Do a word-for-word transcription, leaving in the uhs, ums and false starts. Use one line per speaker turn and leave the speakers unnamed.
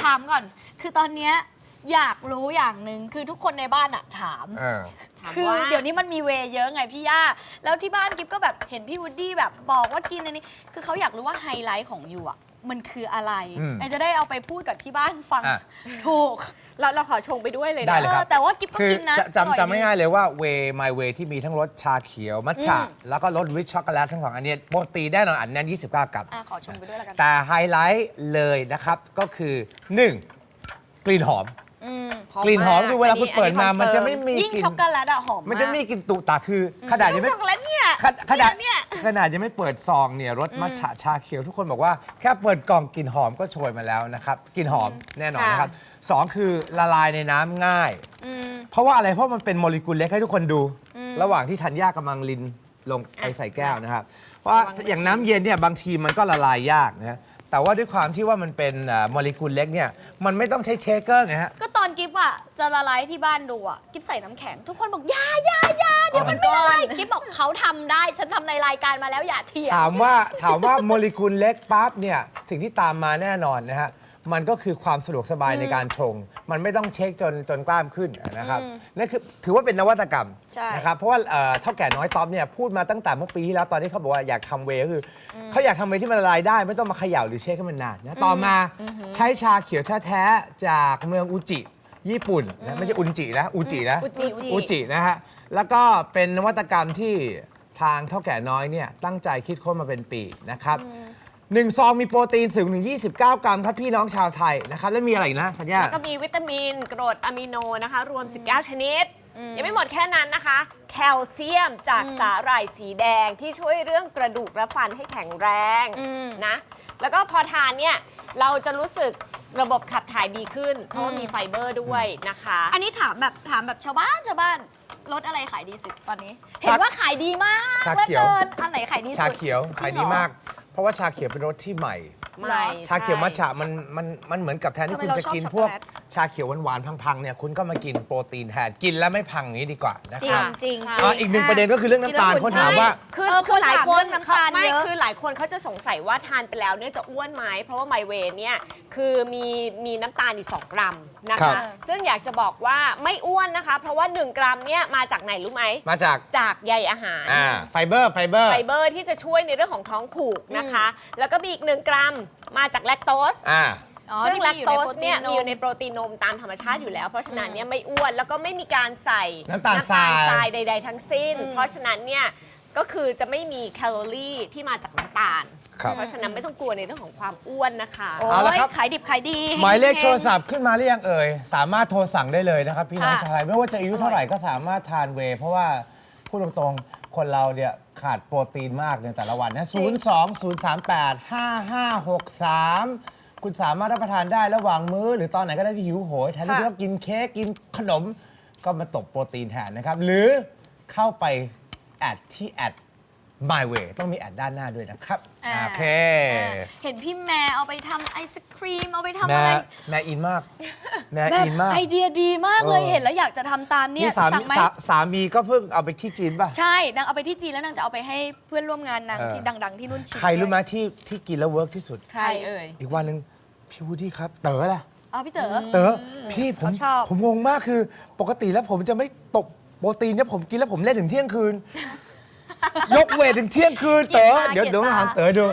ถามก่อนคือตอนเนี้ยอยากรู้อย่างหนึ่งคือทุกคนในบ้านอะถามคือเดี๋ยวนี้มันมีเวย์เยอะไงพี่ย่าแล้วที่บ้านกิ๊บก็แบบเห็นพี่วูดดี้แบบบอกว่ากินอันนี้คือเขาอยากรู้ว่าไฮไลท์ของยูอะมันคืออะไรไอจะได้เอาไปพูดกับที่บ้านฟังถูกเราเราขอชงไปด้วยเลยนะแต่ว่ากิ๊บก็กินนะ
จำจำไม่ง่ายเลยว่าเวย์ My Way ที่มีทั้งรสชาเขียวมัทฉะแล้วก็รสวิชช็อกโกแลตทั้งสองอันนี้โปรตีนแน่นอนอันนั้นยี่สิบเก้ากรัม
ขอชงไปด้วยแล้วกัน
แต่ไฮไลท์เลยนะครับก็คือหนึ่งกลิ่นหอมกลิ่นหอมคือเวลาคุณเปิดมามันจะไม่มี
ยิ่งช็อกโกแลตอะหอม
มันจะไม่มีกลิ่นตุตาคือขนาดยังไม่
ช็อกโกแลตเนี่ย
ขนาดขนาดยังไม่เปิดซองเนี่ยรสมัทฉะชาเขียวทุกคนบอกว่าแค่เปิดกล่องกลิ่นหอมก็โชยมาแล้วนะครับกลิ่นหอมแน่นอนนะครับสองคือละลายในน้ำง่ายเพราะว่าอะไรเพราะมันเป็นโมเลกุลเล็กให้ทุกคนดูระหว่างที่ธัญญากำลังลินลงไปใส่แก้วนะครับเพราะอย่างน้ำเย็นเนี่ยบางทีมันก็ละลายยากนะแต่ว่าด้วยความที่ว่ามันเป็นโมเลกุลเล็กเนี่ยมันไม่ต้องใช้เชคเกอร์ไงฮะ
ก็ตอนกิฟอะจะละลายที่บ้านดูอะกิฟใส่น้ำแข็งทุกคนบอกยายายาเดี๋ยวมันไม่ละลายกิฟบอกเขาทำได้ฉันทำในรายการมาแล้วอย่าเถียง
ถามว่าถามว่าโมเลกุลเล็กปั๊บเนี่ยสิ่งที่ตามมาแน่นอนนะฮะมันก็คือความสะดวกสบายในการชงมันไม่ต้องเช็คจนจนกล้ามขึ้นนะครับนั่นคือถือว่าเป็นนวัตกรรมนะครับเพราะว่าเท่าแก่น้อยต๊อบเนี่ยพูดมาตั้งแต่เมื่อปีที่แล้วตอนที่เขาบอกว่าอยากทำเวย์ก็คือเขาอยากทำเวย์ที่มันละลายได้ไม่ต้องมาเขย่าหรือเช็คให้มันนานนะต่อมาใช้ชาเขียวแท้ๆจากเมืองอุจิญี่ปุ่นนะไม่ใช่อุนจินะอุจินะอุจินะฮะแล้วก็เป็นนวัตกรรมที่ทางเท่าแก่น้อยเนี่ยตั้งใจคิดค้นมาเป็นปีนะครับหนึ่งซองมีโปรตีนสูงถึงยี่สิบเก้ากรัมครับพี่น้องชาวไทยนะครับแล้วมีอะไรอีกนะธัญญา
แล้วก็มีวิตามินกรดอะมิโนนะคะรวมสิบเก้าชนิดยังไม่หมดแค่นั้นนะคะแคลเซียมจากสาหร่ายสีแดงที่ช่วยเรื่องกระดูกและฟันให้แข็งแรงนะแล้วก็พอทานเนี่ยเราจะรู้สึกระบบขับถ่ายดีขึ้นเพราะว่ามีไฟเบอร์ด้วยนะคะ
อันนี้ถามแบบถามแบบชาวบ้านชาวบ้านรสอะไรขายดีสุดตอนนี้เห็นว่าขายดีมาก
ชาเขียว
อันไหนขายดีสุด
ชาเขียวขายดีมากเพราะว่าชาเขียวเป็นรสที่ใหม่ชาเขียวมัทฉะมันมันมันเหมือนกับแทนที่คุณจะกินพวกชาเขียวหวานๆพังๆเนี่ยคุณก็มากินโปรตีนแทนกินแล้วไม่พังอย่างนี้ดีกว่านะครับ
จริง
ๆอีกหนึ่งประเด็นก็คือเรื่องน้ำตาลคนถามว่า
คือคือหลายคนน้ำตาลเยอะคือหลายคนเขาจะสงสัยว่าทานไปแล้วเนี่ยจะอ้วนไหมเพราะว่าไมเวย์เนี่ยคือมีมีน้ำตาลอยู่สองกรัมนะคะซึ่งอยากจะบอกว่าไม่อ้วนนะคะเพราะว่าหนึ่งกรัมเนี่ยมาจากไหนรู้ไหม
มาจาก
จากใยอาหาร
ไฟเบอร์ไฟเบอร์
ไฟเบอร์ที่จะช่วยในเรื่องของท้องผูกนะคะแล้วก็มีอีกหนึ่งกรัมมาจากแลคโตสซึ่งแลคโตสเนี่ยมีอยู่ในโปรตีนนมตามธรรมชาติอยู่แล้วเพราะฉะนั้นเนี่ยไม่อ้วนแล้วก็ไม่มีการใส่
น้ำตาลทราย
ใดๆทั้งสิ้นเพราะฉะนั้นเนี่ยก็คือจะไม่มีแคลอรี่ที่มาจากน้ำตาลเพราะฉะนั้นไม่ต้องกลัวในเรื่องของความอ้วนนะคะ
เอาละครับขายดิบขายดี
หมายเลขโทรศัพท์ขึ้นมาหรือยังเอ่ยสามารถโทรสั่งได้เลยนะครับพี่น้องชาวไทยไม่ว่าจะอายุเท่าไหร่ก็สามารถทานเวย์เพราะว่าพูดตรงๆคนเราเนี่ยขาดโปรตีนมากในแต่ละวันนะศูนย์ สอง ศูนย์ สาม แปด ห้า ห้า หก สามคุณสามารถรับประทานได้ระหว่างมื้อหรือตอนไหนก็ได้ที่หิวโหยแทนที่จะกินเค้กกินขนมก็มาตบโปรตีนแทนนะครับหรือเข้าไปแอดที่แอด My Way ต้องมีแอดด้านหน้าด้วยนะครับโอเค
เห็นพี่แม่เอาไปทำไอศครีมเอาไปทำอะไร
แม่อินมากแม่อินมาก
ไอเดียดีมากเลยเห็นแล้วอยากจะทำตามเนี่ย
สั่งไหมสามีก็เพิ่งเอาไปที่จีนป่ะ
ใช่นางเอาไปที่จีนแล้วนางจะเอาไปให้เพื่อนร่วมงานนางที่ดังๆที่นู่นชิม
ใครรู้ไหมที่ที่กินแล้วเวิร์กที่สุด
ใครเอ่ย
อีกวันหนึ่งพี่วูดดี้ครับเต๋อล่ะ
อ๋อพี่เต๋อ
เต๋อพี่ผมผมงงมากคือปกติแล้วผมจะไม่ตกโปรตีนเนี่ยผมกินแล้วผมเล่นถึงเที่ยงคืนยกเวทถึงเที่ยงคืนเต๋อเดี๋ยวเดี๋ยวถามเต๋อดู